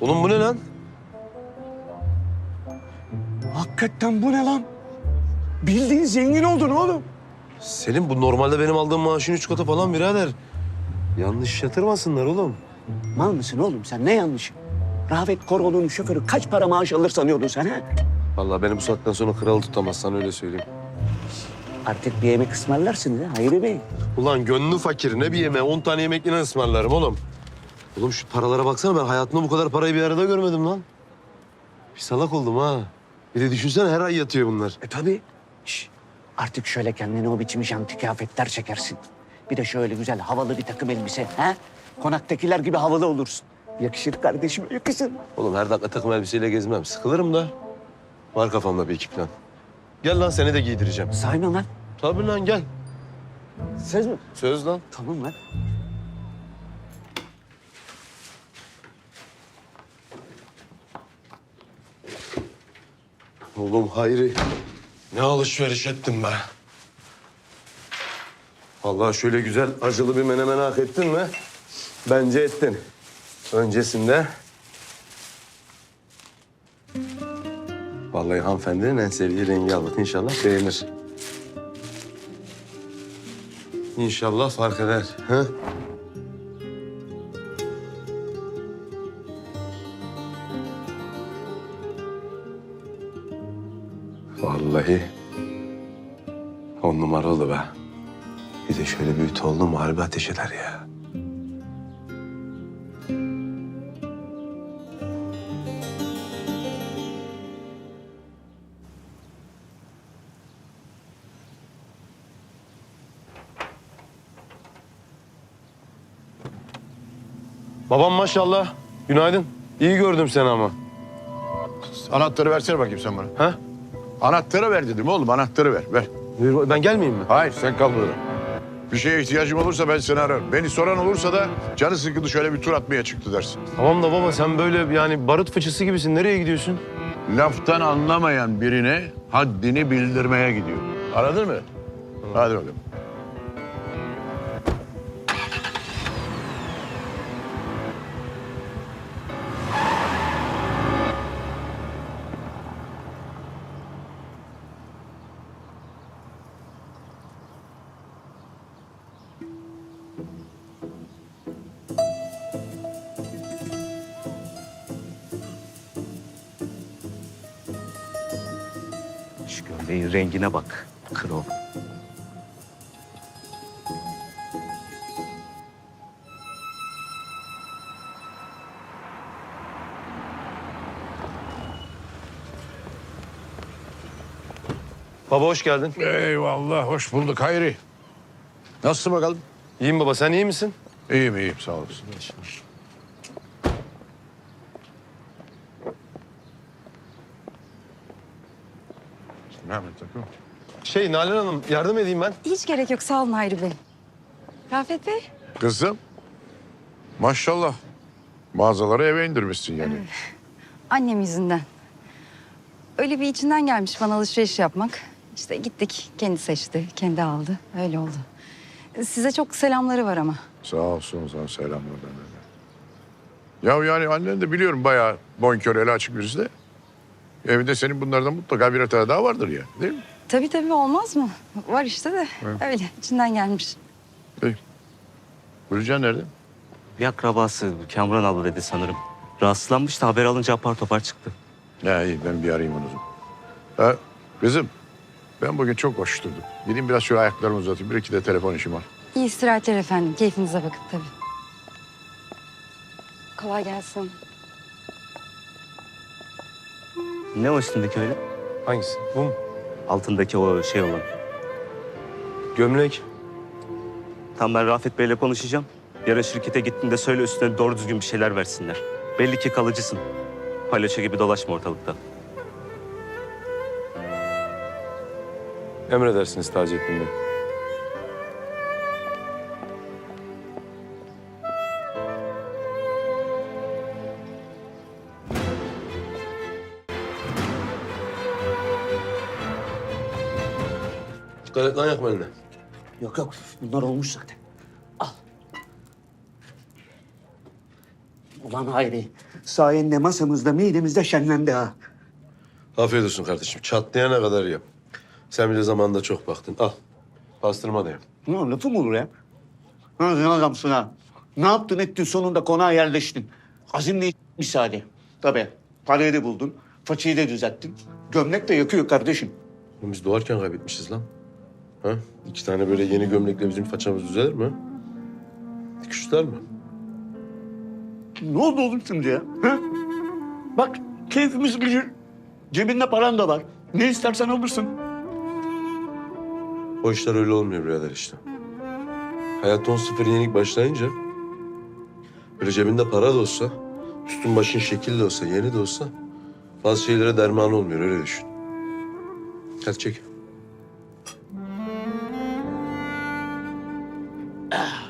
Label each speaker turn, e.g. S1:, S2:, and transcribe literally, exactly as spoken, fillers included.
S1: Oğlum bu ne lan?
S2: Hakikaten bu ne lan? Bildiğin zengin oldun oğlum.
S1: Selim bu normalde benim aldığım maaşın üç katı falan birader. Yanlış yatırmasınlar oğlum.
S2: Mal mısın oğlum sen? Ne yanlışı? Rafet Koroğlu'nun şoförü kaç para maaş alır sanıyordun sen ha?
S1: Vallahi beni bu saatten sonra kralı tutamazsan öyle söyleyeyim.
S2: Artık bir yemek ısmarlarsın ha Hayri Bey.
S1: Ulan gönlü fakir ne bir yemeğe on tane yemek yine ısmarlarım oğlum. Oğlum şu paralara baksana ben hayatımda bu kadar parayı bir arada görmedim lan. Bir salak oldum ha. Bir de düşünsene her ay yatıyor bunlar.
S2: E tabii. Şş, artık şöyle kendine o biçim janti kıyafetler çekersin. Bir de şöyle güzel havalı bir takım elbise. Ha? Konaktakiler gibi havalı olursun. Yakışır kardeşim, yakışır.
S1: Oğlum her dakika takım elbiseyle gezmem. Sıkılırım da. Var kafamda bir iki plan. Gel lan seni de giydireceğim.
S2: Sahi mi lan?
S1: Tabii lan gel.
S2: Söz mü?
S1: Söz lan.
S2: Tamam lan.
S1: Oğlum Hayri. Ne alışveriş ettin be. Vallahi şöyle güzel acılı bir menemen hak ettin mi? Bence ettin. Öncesinde... Vallahi hanımefendinin en sevdiği rengi aldık. İnşallah beğenir. İnşallah fark eder. Ha? Vallahi on numara oldu be. Bir de şöyle bir ütü oldu mu harbi ateş eder ya. Babam maşallah. Günaydın. İyi gördüm seni ama.
S3: Anahtarı versene bakayım sen bana.
S1: Ha?
S3: Anahtarı ver dedim oğlum, anahtarı ver, ver.
S1: Buyur, ben gelmeyeyim mi?
S3: Hayır, sen kal burada. Bir şeye ihtiyacım olursa ben seni ararım. Beni soran olursa da canı sıkıldı şöyle bir tur atmaya çıktı dersin.
S1: Tamam da baba sen böyle yani barut fıçısı gibisin. Nereye gidiyorsun?
S3: Laftan anlamayan birine haddini bildirmeye gidiyor. Anladın mı? Hadi bakalım.
S2: Şu gömleğin rengine bak. Kro.
S1: Baba hoş geldin.
S3: Eyvallah, hoş bulduk Hayri. Nasılsın bakalım?
S1: İyiyim baba sen iyi misin?
S3: İyiyim, iyiyim, sağ olasın. Mehmet takım.
S1: Şey Nalan Hanım yardım edeyim ben.
S4: Hiç gerek yok. Sağ olun Hayri Bey. Rafet Bey.
S3: Kızım, maşallah. Mağazaları eve indirmişsin yani.
S4: Annem yüzünden. Öyle bir içinden gelmiş bana alışveriş yapmak. İşte gittik. Kendi seçti. Kendi aldı. Öyle oldu. Size çok selamları var ama.
S3: Sağ olsun, sana selamlar benden de. Ya yani annen de biliyorum bayağı bonkör, eli açık birisi de. Evinde senin bunlardan mutlaka bir tane daha vardır ya, değil mi?
S4: Tabii tabii olmaz mı? Var işte de.
S3: Evet.
S4: Öyle içinden gelmiş.
S3: Peki. Gülcan nerede?
S5: Bir akrabası Kamran abla dedi sanırım. Rahatsızlanmış da haber alınca apar topar çıktı.
S3: Ya iyi, ben bir arayayım onu. o zaman. Ha, kızım, ben bugün çok koşturdum. Gideyim biraz şöyle ayaklarımı uzatayım. Bir iki de telefon işim var.
S4: İyi istirahatler efendim. Keyfinize bakın tabii. Kolay gelsin.
S5: Ne o üstündeki öyle?
S1: Hangisi? Bu mu?
S5: Altındaki o şey olan.
S1: Gömlek.
S5: Tam ben Rafet Bey'le konuşacağım. Yarın şirkete gittiğinde söyle üstüne doğru düzgün bir şeyler versinler. Belli ki kalıcısın. Palyaço gibi dolaşma ortalıkta.
S1: Emredersiniz Taceddin Bey. Dikkat et lan yakma eline.
S2: Yok yok bunlar olmuş zaten. Al. Ulan Hayri, sayende masamızda midemizde şenlendi ha.
S1: Afiyet olsun kardeşim. Çatlayana kadar yap. Sen bile zamanında çok baktın. Al. Pastırma da yap.
S2: Ulan lafı mı olur ya? Ha, sen adamsın ha. Ne yaptın ettin sonunda konağa yerleştin. Azimle misali. Tabii parayı da buldun. Façayı da düzelttin. Gömlek de yakıyor kardeşim.
S1: Oğlum biz doğarken kaybetmişiz lan. Ha? İki tane böyle yeni gömlekle bizim façamız düzelir mi? Dikişler mi?
S2: Ne oldu oğlum şimdi ya? Ha? Bak keyfimiz gıcır. Cebinde paran da var. Ne istersen alırsın.
S1: O işler öyle olmuyor birader işte. Hayat on sıfır yenik başlayınca... ...böyle cebinde para da olsa... ...üstün başın şekil de olsa, yeni de olsa... ...bazı şeylere derman olmuyor, öyle düşün. Hadi çek.
S2: Ah.